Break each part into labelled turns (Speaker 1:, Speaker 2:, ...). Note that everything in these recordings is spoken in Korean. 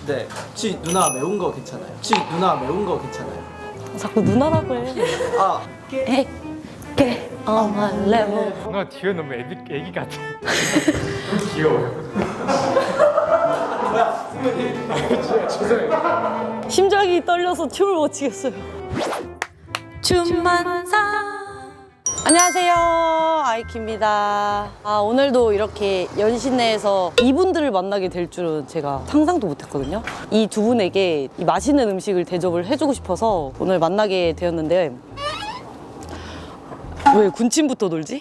Speaker 1: 네. 혹시 누나 매운 거 괜찮아요? 혹시 누나 매운 거 괜찮아요?
Speaker 2: 자꾸 누나라고 해.
Speaker 1: 아,
Speaker 2: Get on my level.
Speaker 3: 누나 뒤에 너무 애기 같아. 너무 귀여워요.
Speaker 2: 심장이 떨려서 춤을 못 추겠어요. 춤만 사. 안녕하세요, 아이키입니다. 오늘도 이렇게 연신내에서 이분들을 만나게 될 줄은 제가 상상도 못했거든요. 이 두 분에게 이 맛있는 음식을 대접을 해주고 싶어서 오늘 만나게 되었는데 왜 군침부터 돌지?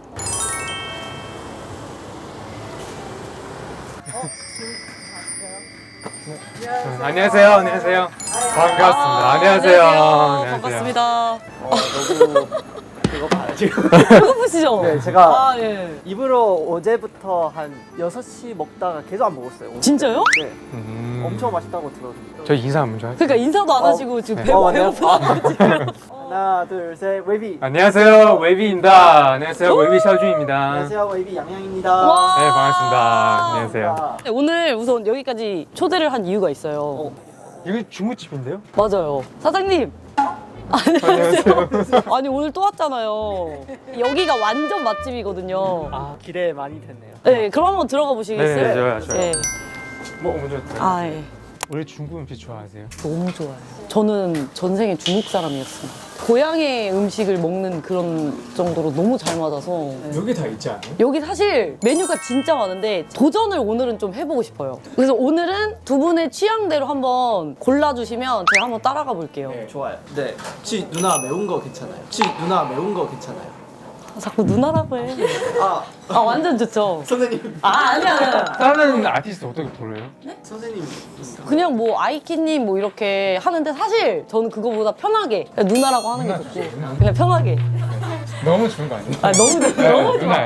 Speaker 3: 안녕하세요. 안녕하세요. 반갑습니다. 안녕하세요.
Speaker 2: 반갑습니다.
Speaker 1: 너무 그거 봐요 지금.
Speaker 2: 배고프시죠?
Speaker 1: 네, 제가
Speaker 2: 예.
Speaker 1: 입으로 어제부터 한 6시 먹다가 계속 안 먹었어요.
Speaker 2: 진짜요?
Speaker 1: 네. 엄청 맛있다고 들었는데.
Speaker 3: 저 인사 먼저 할게요.
Speaker 2: 그러니까 인사도 안 하시고 지금
Speaker 3: 네.
Speaker 1: 맞네요.
Speaker 2: 배고프다고 지금.
Speaker 1: 하나, 둘, 셋, 웨이비.
Speaker 3: 안녕하세요. 웨이비입니다. 안녕하세요. 웨이비 샤오준입니다.
Speaker 1: 안녕하세요, 웨이비 양양입니다.
Speaker 2: 와.
Speaker 3: 네, 반갑습니다. 안녕하세요.
Speaker 2: 네, 오늘 우선 여기까지 초대를 한 이유가 있어요.
Speaker 3: 이거 중국집인데요?
Speaker 2: 맞아요. 사장님. 안녕하세요. 아니 오늘 또 왔잖아요. 여기가 완전 맛집이거든요.
Speaker 1: 기대 많이 됐네요.
Speaker 2: 네, 그럼 한번 들어가 보시겠어요?
Speaker 3: 네, 좋아요.
Speaker 2: 네.
Speaker 3: 뭐 먼저 할까요?
Speaker 2: 예.
Speaker 3: 원래 중국 음식 좋아하세요?
Speaker 2: 너무 좋아요. 저는 전생에 중국 사람이었어요. 고향의 음식을 먹는 그런 정도로 너무 잘 맞아서.
Speaker 3: 여기 다 있지 않아요?
Speaker 2: 여기 사실 메뉴가 진짜 많은데 도전을 오늘은 좀 해보고 싶어요. 그래서 오늘은 두 분의 취향대로 한번 골라주시면 제가 한번 따라가 볼게요.
Speaker 1: 좋아요. 네. 혹시 누나 매운 거 괜찮아요? 혹시 누나 매운 거 괜찮아요?
Speaker 2: 자꾸 누나라고 해. 완전 좋죠.
Speaker 1: 선생님.
Speaker 2: 아니야.
Speaker 3: 다른 아티스트 어떻게 불러요?
Speaker 1: 선생님.
Speaker 2: 그냥 뭐 아이키님 뭐 이렇게 하는데 사실 저는 그거보다 편하게 그냥 누나라고 하는 게 좋고 그냥 편하게.
Speaker 3: 너무 좋은 거 아니에요?
Speaker 2: 너무 좋아. 너무 좋아.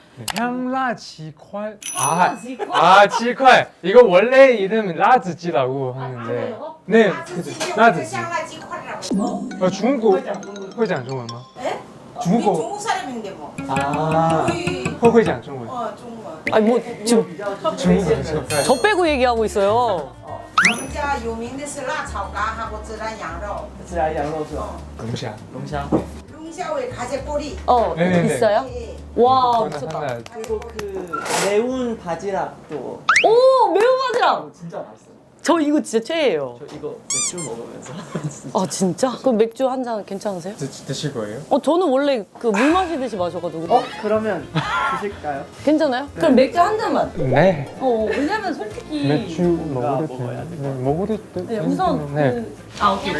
Speaker 3: 향라지块. 지块. 이거 원래 이름 라즈지라고 하는데. 네, 라즈지. 중국어会讲中文吗? 중국어.
Speaker 4: 중국 사람인데 뭐. 거의
Speaker 3: 会讲中文.
Speaker 4: 중국.
Speaker 2: 아니 뭐 지금
Speaker 3: 중국어.
Speaker 2: 저 빼고 얘기하고 있어요.
Speaker 4: 我们家有名的是辣炒肝하고孜然羊肉.
Speaker 1: 自然羊肉是吧？
Speaker 3: 龙虾.
Speaker 1: 龙虾。
Speaker 4: 룽샤오에 가재꼬리.
Speaker 3: 네네네.
Speaker 2: 있어요?
Speaker 4: 예.
Speaker 2: 와
Speaker 3: 그거는
Speaker 2: 미쳤다.
Speaker 3: 하나.
Speaker 1: 그리고 그 매운 바지락도
Speaker 2: 오 매운 바지락.
Speaker 1: 진짜 맛있어요.
Speaker 2: 저 이거 진짜 최애예요.
Speaker 1: 저 이거 맥주 먹으면서
Speaker 2: 아 진짜? 그럼 맥주 한 잔 괜찮으세요?
Speaker 3: 드실 거예요?
Speaker 2: 저는 원래 그 물 마시듯이 마셔가지고.
Speaker 1: 그러면 드실까요?
Speaker 2: 괜찮아요? 그럼 맥주 한 잔만.
Speaker 3: 네.
Speaker 2: 왜냐면 솔직히.
Speaker 3: 맥주 먹어도
Speaker 1: 먹어야
Speaker 3: 돼요. 네, 먹어도 돼요.
Speaker 2: 네, 우선
Speaker 3: 네.
Speaker 2: 오케이.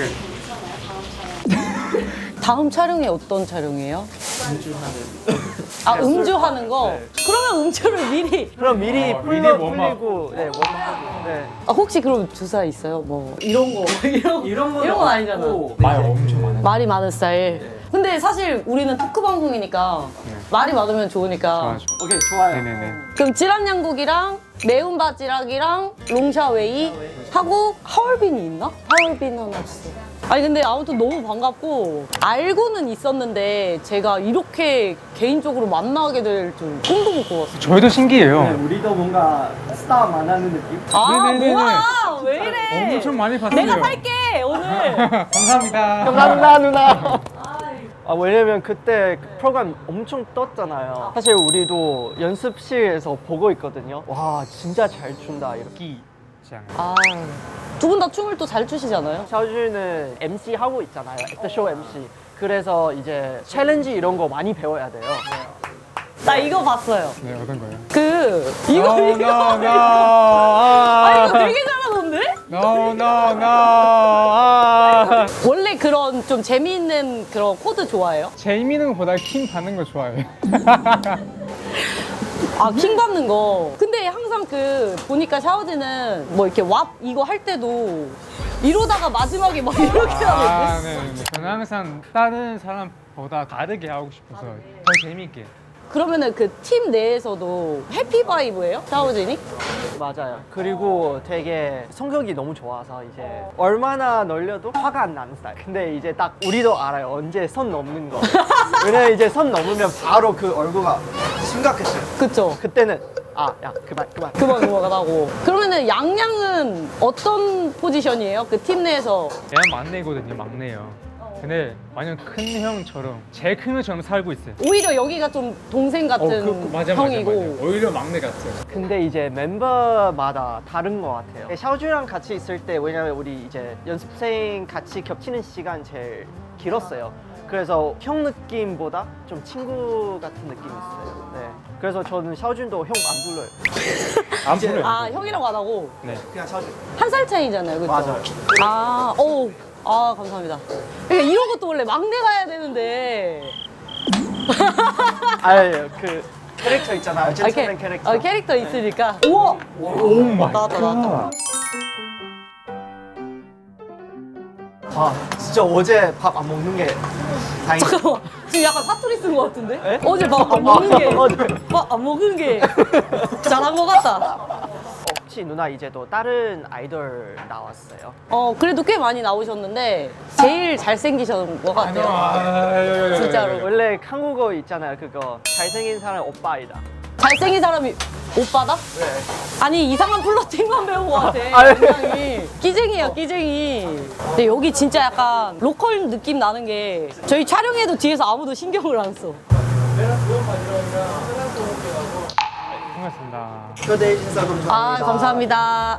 Speaker 2: 다음 촬영이 어떤 촬영이에요?
Speaker 1: 음주하는.
Speaker 2: 음주하는 거?
Speaker 1: 네.
Speaker 2: 그러면 음주를 미리.
Speaker 1: 그럼 미리
Speaker 3: 미리 웜업.
Speaker 1: 풀리고 네 웜하고 네
Speaker 2: 혹시 그럼 주사 있어요? 뭐 이런 거 이런
Speaker 1: 건
Speaker 2: 건 아니잖아.
Speaker 1: 없고,
Speaker 3: 말 엄청 많아요.
Speaker 2: 말이 많은 스타일. 근데 사실 우리는 토크 방송이니까 말이 많으면 좋으니까.
Speaker 3: 좋아.
Speaker 1: 오케이 좋아요.
Speaker 3: 네네네.
Speaker 2: 그럼 찌란양국이랑 매운 바지락이랑 롱샤웨이 하고 하얼빈이 있나? 하얼빈 하나 주세요. 아니 근데 아무튼 너무 반갑고 알고는 있었는데 제가 이렇게 개인적으로 만나게 될 줄 꿈도 못 꿔봤어요.
Speaker 3: 저희도 신기해요.
Speaker 1: 네, 우리도 뭔가 스타 만나는 느낌?
Speaker 3: 네네네네.
Speaker 2: 뭐야 왜 이래?
Speaker 3: 엄청 많이 봤어요.
Speaker 2: 내가 살게 오늘.
Speaker 3: 감사합니다.
Speaker 1: 감사합니다 누나. 왜냐면 그때 그 프로그램 엄청 떴잖아요. 사실 우리도 연습실에서 보고 있거든요. 와 진짜 잘 춘다 이렇게.
Speaker 2: 두 분 다 춤을 또 잘 추시잖아요.
Speaker 1: 샤오준은 MC 하고 있잖아요. 액터쇼 MC. 그래서 이제 챌린지 이런 거 많이 배워야 돼요.
Speaker 2: 나 이거 봤어요.
Speaker 3: 네, 어떤 거요?
Speaker 2: 이거 이거 되게 잘하던데? 원래 그런 좀 재미있는 그런 코드 좋아해요?
Speaker 3: 재미있는 것보다 킹 받는 거 좋아해요.
Speaker 2: 킹 받는 거. 근데 항상 보니까 샤오지는 뭐 이렇게 왑 이거 할 때도 이러다가 마지막에 막 이렇게 하는데.
Speaker 3: 네네네. 저는 항상 다른 사람보다 다르게 하고 싶어서 더 재밌게.
Speaker 2: 그러면은 그 팀 내에서도 해피 바이브예요? 샤오진이?
Speaker 1: 맞아요. 그리고 되게 성격이 너무 좋아서 이제 얼마나 놀려도 화가 안 나는 스타일. 근데 이제 딱 우리도 알아요. 언제 선 넘는 거. 왜냐면 이제 선 넘으면 바로 그 얼굴가 심각해져요.
Speaker 2: 그쵸?
Speaker 1: 그때는 야 그만.
Speaker 2: 그만하고. 그러면은 양양은 어떤 포지션이에요? 그 팀 내에서.
Speaker 3: 얘는 막내거든요, 막내요. 근데 완전 큰 형처럼, 제일 큰 형처럼 살고 있어요.
Speaker 2: 오히려 여기가 좀 동생 같은 형이고.
Speaker 3: 오히려 막내 같아요.
Speaker 1: 근데 이제 멤버마다 다른 것 같아요. 샤오주랑 같이 있을 때 왜냐면 우리 이제 연습생 같이 겹치는 시간 제일 길었어요. 그래서 형 느낌보다 좀 친구 같은 느낌이 있어요. 네. 그래서 저는 샤오준도 형 안 불러요.
Speaker 3: 안 풀어요.
Speaker 2: 아, 형이라고 안 하고
Speaker 3: 네.
Speaker 1: 그냥 샤오준.
Speaker 2: 한 살 차이잖아요, 그렇죠?
Speaker 1: 맞아요.
Speaker 2: 아, 오, 감사합니다. 그러니까 이런 것도 원래 막내가 해야 되는데.
Speaker 1: 그 캐릭터 있잖아요. 젠틀맨 캐릭터.
Speaker 2: 캐릭터 있으니까. 우와,
Speaker 3: 오 마이
Speaker 2: 나왔다.
Speaker 1: 진짜 어제 밥 안 먹는 게 다행이다.
Speaker 2: 잠깐만, 지금 약간 사투리 쓴 것 같은데?
Speaker 1: 에?
Speaker 2: 어제 밥 안 먹은 게.
Speaker 1: 어제.
Speaker 2: 밥 안 먹은 게. 잘한 것 같다.
Speaker 1: 혹시 누나 이제 또 다른 아이돌 나왔어요?
Speaker 2: 그래도 꽤 많이 나오셨는데 제일 잘생기신 것 같아요. 진짜로.
Speaker 1: 원래 한국어 있잖아요. 그거 잘생긴 사람 오빠이다.
Speaker 2: 잘생긴 사람이 오빠다?
Speaker 1: 네.
Speaker 2: 아니 이상한 플러팅만 배운 것 같아.
Speaker 1: 아니.
Speaker 2: 굉장히 끼쟁이야 끼쟁이. 근데 여기 진짜 약간 로컬 느낌 나는 게 저희 촬영해도 뒤에서 아무도 신경을 안 써.
Speaker 3: 반갑습니다.
Speaker 1: 초대해 주셔서 감사합니다.
Speaker 2: 아 감사합니다.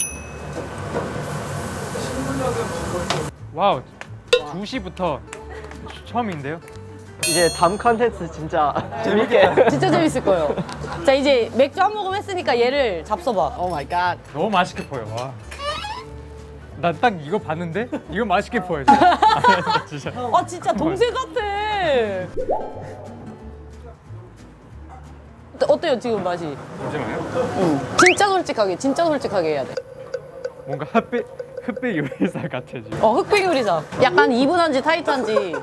Speaker 3: 와우, 2시부터 처음인데요?
Speaker 1: 이제 다음 컨텐츠 진짜 재밌게.
Speaker 2: 진짜 재밌을 거예요. 자 이제 맥주 한 모금 했으니까 얘를 잡숴봐.
Speaker 1: 오 마이 갓.
Speaker 3: 너무 맛있게 보여. 와. 나 딱 이거 봤는데 이거 맛있게 보여. 진짜.
Speaker 2: 아 진짜 동생 같아. 어때요 지금 맛이?
Speaker 3: 잠시만요.
Speaker 2: 진짜 솔직하게 해야 돼.
Speaker 3: 뭔가 흑백 요리사 같아 지금.
Speaker 2: 흑백 요리사. 약간 이분한지 타이트한지.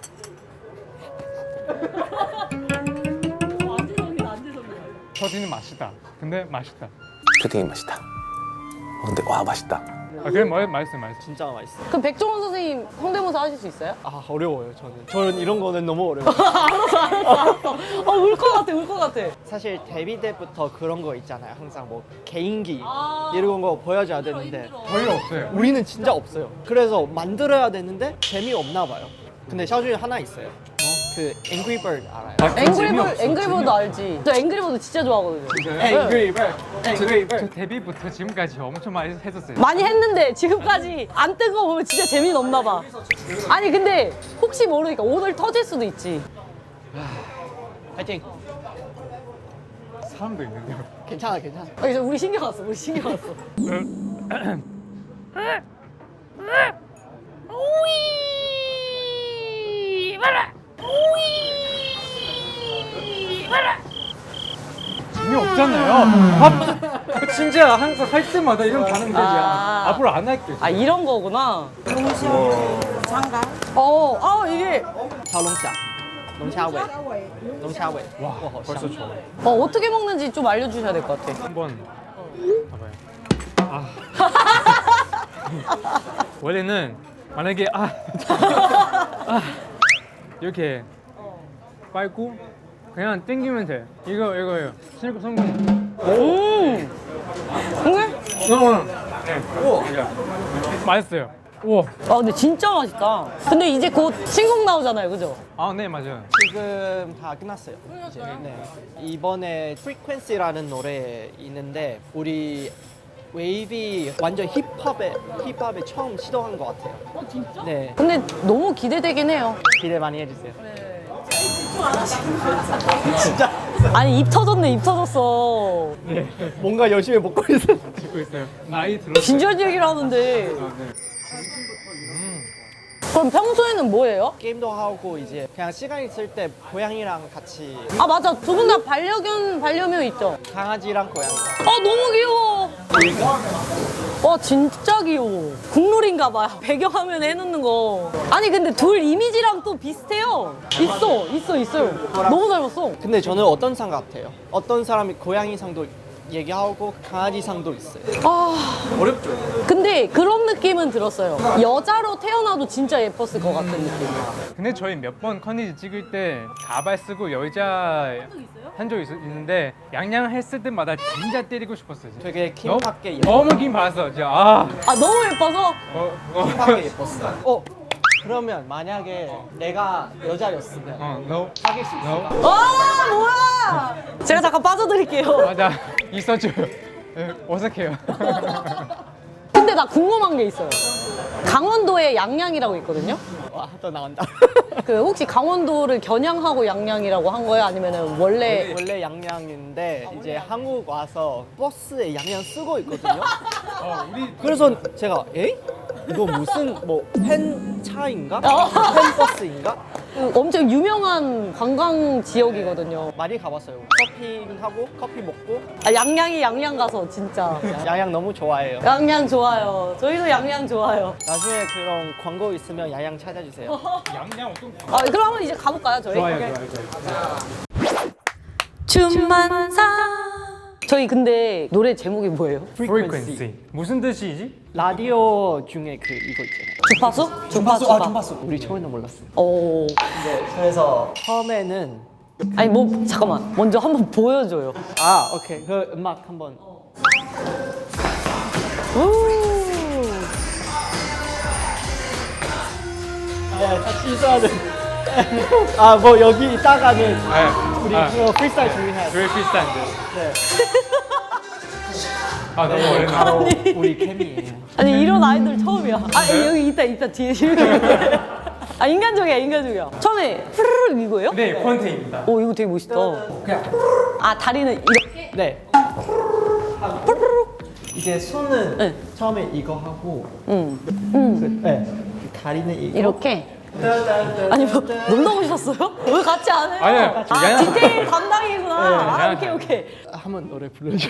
Speaker 3: 터지는 맛이다. 근데 맛있다.
Speaker 5: 슈팅이 맛있다. 근데 와 맛있다.
Speaker 3: 아 그래 맛있어.
Speaker 1: 진짜 맛있어.
Speaker 2: 그럼 백종원 선생님 성대모사 하실 수 있어요?
Speaker 1: 어려워요 저는. 저는 이런 거는 너무 어려워요.
Speaker 2: 알았어. 울 것 같아.
Speaker 1: 사실 데뷔 때부터 그런 거 있잖아요. 항상 뭐 개인기
Speaker 2: 아.
Speaker 1: 이런 거 보여줘야 되는데
Speaker 3: 거의 없어요.
Speaker 1: 우리는 진짜 없어요. 그래서 만들어야 되는데 재미없나 봐요. 근데 샤오준이 하나 있어요. 그 Angry Bird 알아요?
Speaker 2: 앵글버드 알지? 저 앵글버드 진짜 좋아하거든요.
Speaker 1: Angry Bird. Angry
Speaker 3: 저
Speaker 1: Bird.
Speaker 3: 데뷔부터 지금까지 엄청 많이 했었어요.
Speaker 2: 많이 했는데 지금까지 안 뜬 거 보면 진짜 재미는 없나 봐. 아니 근데 혹시 모르니까 오늘 터질 수도 있지.
Speaker 1: 파이팅.
Speaker 3: 사람도 있는데요.
Speaker 1: 괜찮아.
Speaker 2: 이제 우리 신경 왔어.
Speaker 3: 재미없잖아요. 진짜 항상 할 때마다 이런 반응 되지.
Speaker 2: 아.
Speaker 3: 앞으로 안 할게요.
Speaker 2: 아 이런 거구나.
Speaker 4: 장갑.
Speaker 2: 이게
Speaker 1: 龍蝦尾。
Speaker 3: 와, 벌써 좋아.
Speaker 2: 어떻게 먹는지 좀 알려주셔야 될 것 같아.
Speaker 3: 한번 봐봐요. 원래는 만약에 이렇게 빨고 그냥 땡기면 돼. 이거요. 성공.
Speaker 2: 근데?
Speaker 3: 네. 맛있어요. 우와.
Speaker 2: 근데 진짜 맛있다. 근데 이제 곧 신곡 나오잖아요, 그죠?
Speaker 3: 네 맞아요.
Speaker 1: 지금 다 끝났어요. 이제. 네. 이번에 Frequency라는 노래 있는데 우리 웨이비 완전 힙합에 처음 시도한 것 같아요.
Speaker 2: 진짜?
Speaker 1: 네,
Speaker 2: 근데 너무 기대되긴 해요.
Speaker 1: 기대 많이 해주세요.
Speaker 2: 진짜? 아니 입 터졌어.
Speaker 1: 뭔가 열심히 먹고 있어.
Speaker 3: 듣고 있어요. 나이 들었어요.
Speaker 2: 진지한 얘기를 하는데.
Speaker 3: 네.
Speaker 2: 그럼 평소에는 뭐예요?
Speaker 1: 게임도 하고 이제 그냥 시간 있을 때 고양이랑 같이
Speaker 2: 아 맞아, 두 분 다 반려묘 있죠?
Speaker 1: 강아지랑 고양이.
Speaker 2: 너무 귀여워. 와 진짜 귀여워. 국룰인가 봐요. 배경화면에 해놓는 거. 아니 근데 둘 이미지랑 또 비슷해요. 있어요. 너무 닮았어.
Speaker 1: 근데 저는 어떤 상 같아요? 어떤 사람이 고양이 상도 얘기하고 강아지 상도 있어요.
Speaker 2: 어렵죠. 근데 근데 그런 느낌은 들었어요. 여자로 태어나도 진짜 예뻤을 것 같은 느낌.
Speaker 3: 근데 저희 몇 번 컨디지 찍을 때 가발 쓰고 여자 한 적 있는데 양양 했을 때마다 진짜 때리고 싶었어요. 진짜.
Speaker 1: 되게
Speaker 3: 너무-
Speaker 1: 킴밖에
Speaker 3: 너무 긴 봤어. 진짜 아.
Speaker 2: 아 너무 예뻐서
Speaker 1: 킴밖에 예뻤어. 그러면 만약에 내가 여자였으면
Speaker 3: no.
Speaker 1: 사귈 수 있을까?
Speaker 2: 와 뭐야? 제가 잠깐 빠져드릴게요.
Speaker 3: 맞아. 있어줘요. 네, 어색해요.
Speaker 2: 근데 나 궁금한 게 있어요. 강원도에 양양이라고 있거든요.
Speaker 1: 와, 또 나온다.
Speaker 2: 그 혹시 강원도를 겨냥하고 양양이라고 한 거예요? 아니면은 원래
Speaker 1: 원래 양양인데 이제 한국 와서 버스에 양양 쓰고 있거든요. 그래서 제가 이거 무슨 뭐 팬차인가? 팬버스인가?
Speaker 2: 그 엄청 유명한 관광 지역이거든요.
Speaker 1: 많이 가봤어요. 서핑하고 커피 먹고
Speaker 2: 아, 양양이 양양 가서 진짜
Speaker 1: 양양 너무 좋아해요.
Speaker 2: 양양 좋아요. 저희도 양양 좋아요.
Speaker 1: 나중에 그런 광고 있으면 양양 찾아주세요.
Speaker 3: 양양 어떤?
Speaker 2: 아, 그럼 한번 이제 가볼까요, 저희?
Speaker 3: 좋아요.
Speaker 2: 춤만사. 저희 근데 노래 제목이 뭐예요?
Speaker 3: Frequency. 무슨 뜻이지?
Speaker 1: 라디오 중에 그 이거 있잖아요.
Speaker 2: 주파수? 주파수.
Speaker 1: 우리 처음에는 몰랐어요.
Speaker 2: 오.
Speaker 1: 그래서 처음에는
Speaker 2: 아니 뭐 잠깐만. 먼저 한번 보여줘요.
Speaker 1: 오케이 그 음악 한번. 같이 있어야 돼. 뭐 여기 있다가는 우리 그거 프리스타일 준비해야 돼.
Speaker 3: 왜 비슷한데?
Speaker 1: 네.
Speaker 3: 아 너무 어렵네.
Speaker 1: 바로 우리 캠이에요.
Speaker 2: 아니 이런 아이돌 처음이야. 아 여기 있다 뒤에 이렇게. 아 인간적이야. 처음에 푸르르 이거예요?
Speaker 3: 네, 콘테입니다.
Speaker 2: 오 이거 되게 멋있다. 아 다리는 이렇게.
Speaker 1: 네. 이제 손은
Speaker 2: 네.
Speaker 1: 처음에 이거 하고 네. 다리는 이거.
Speaker 2: 이렇게. 아니 뭐 놀러 오셨어요? 왜 같이 안 해요?
Speaker 3: 아니요, 저
Speaker 2: 아
Speaker 3: 양양-
Speaker 2: 디테일 담당이구나. 아
Speaker 3: 양양-
Speaker 2: 오케이.
Speaker 1: 한번 노래 불러줘.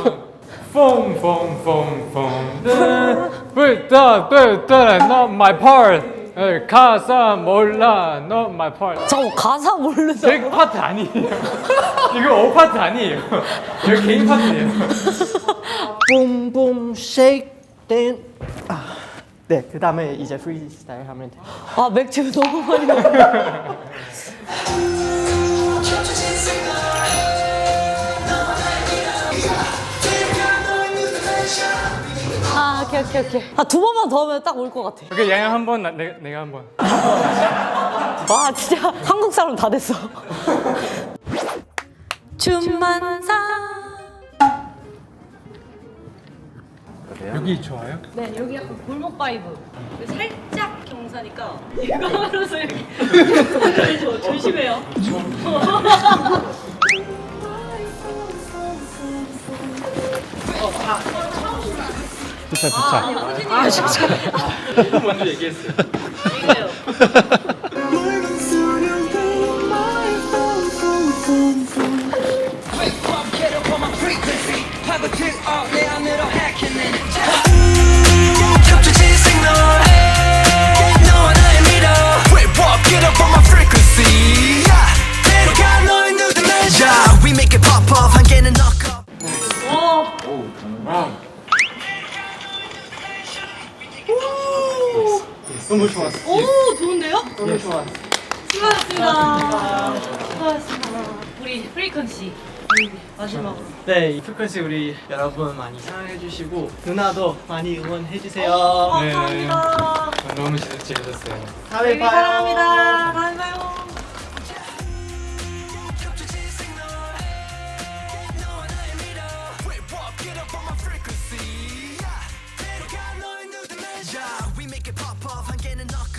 Speaker 3: 불떠 not my part. 가사 몰라 not my part.
Speaker 2: 잠깐 가사 모르죠?
Speaker 3: 제 파트 아니에요. 이거 오 파트 아니에요. 이거 개인 파트예요.
Speaker 1: 붐붐 쉐이크 댄. 네, 그 다음에 이제 프리스타일 하면 돼.
Speaker 2: 아 맥주 너무 많이 먹어. 아 오케이. 아 두 번만 더 하면 딱 올 것 같아.
Speaker 3: 오케이 양양 한 번, 내가 한 번.
Speaker 2: 와 진짜 한국 사람 다 됐어. 춤만사.
Speaker 3: 여기 좋아요?
Speaker 2: 네 여기 약간 골목 바이브. 살짝 경사니까 이거 하면서 이렇게 조심해요.
Speaker 3: 좋다. 먼저 얘기했어요.
Speaker 2: 이거요.
Speaker 6: We make it pop off 한 개는 knock up.
Speaker 3: 너무 좋았어.
Speaker 2: 오 좋은데요?
Speaker 1: 너무 좋아.
Speaker 2: 수고하셨습니다. 우리 프리퀀시 마지막으로.
Speaker 1: 네, 이 프리퀀시 우리 여러분 많이 사랑해 주시고 누나도 많이 응원해 주세요.
Speaker 2: 감사합니다.
Speaker 3: 너무 재밌었어요.
Speaker 1: 다음에 봐요.
Speaker 2: 사랑합니다. 다음에 봐요.
Speaker 6: We make it pop off 한 개는 knock